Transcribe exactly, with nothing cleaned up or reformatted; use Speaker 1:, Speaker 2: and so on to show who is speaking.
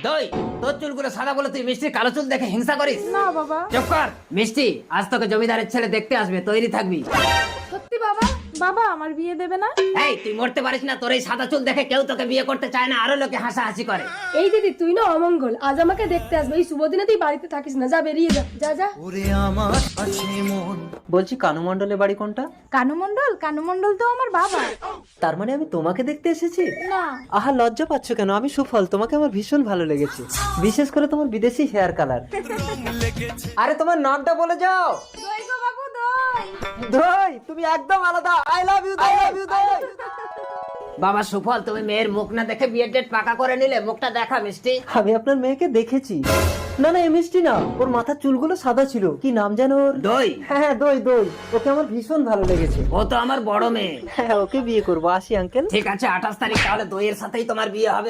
Speaker 1: দই, তোর চুলগুলো সাদা বলে তুই মিষ্টির কালো চুল দেখে হিংসা করিস?
Speaker 2: না বাবা।
Speaker 1: চুপ কর। মিষ্টি, আজ তোকে জমিদারের ছেলে দেখতে আসবে, তৈরি থাকবি।
Speaker 2: সত্যি বাবা? বাবা আমার বিয়ে দেবে না?
Speaker 1: এই, তুই মরতে পারিস না? তোর এই সাদা চুল দেখে কেউ তোকে বিয়ে করতে চায় না, আরো লোকে হাসাহাসি করে।
Speaker 2: এই দিদি তুই না অমঙ্গল, আজ আমাকে দেখতে আসবে, এই শুভ দিনে তুই বাড়িতে থাকিস না, যা বেরিয়ে যা, যা যা।
Speaker 3: বলছি কানু মণ্ডলের বাড়ি কোনটা?
Speaker 2: কানু মণ্ডল? কানু মণ্ডল তো আমার বাবা।
Speaker 3: তার মানে আমি তোমাকে দেখতে এসেছি?
Speaker 2: না।
Speaker 3: আহা, লজ্জা পাচ্ছ কেন? আমি সুফল, তোমাকে আমার ভীষণ ভালো লেগেছে, বিশেষ করে তোমার বিদেশি হেয়ার কালার। আরে তোমার নামটা বলে যাও।
Speaker 2: দই গো বাবু, দই।
Speaker 3: দই, তুমি একদম আলাদা। I love you, I love you দই।
Speaker 1: বাবা সুফল, তুমি মেয়ের মুখ না দেখে বিয়ের ডেট পাকা করে নিলে, মুখটা দেখা মিষ্টি।
Speaker 3: আমি আপনার মেয়েকে দেখেছি। না না, এ মিষ্টি না, ওর মাথার চুলগুলো সাদা ছিল। কি নাম যেন ওর?
Speaker 1: দই।
Speaker 3: হ্যাঁ হ্যাঁ, দই দই, ওকে আমার ভীষণ ভালো লেগেছে।
Speaker 1: ও তো আমার বড় মেয়ে।
Speaker 3: হ্যাঁ, ওকে বিয়ে করবো। আসি আঙ্কেল।
Speaker 1: ঠিক আছে, আঠাশ তারিখ তাহলে দইয়ের সাথেই তোমার বিয়ে হবে।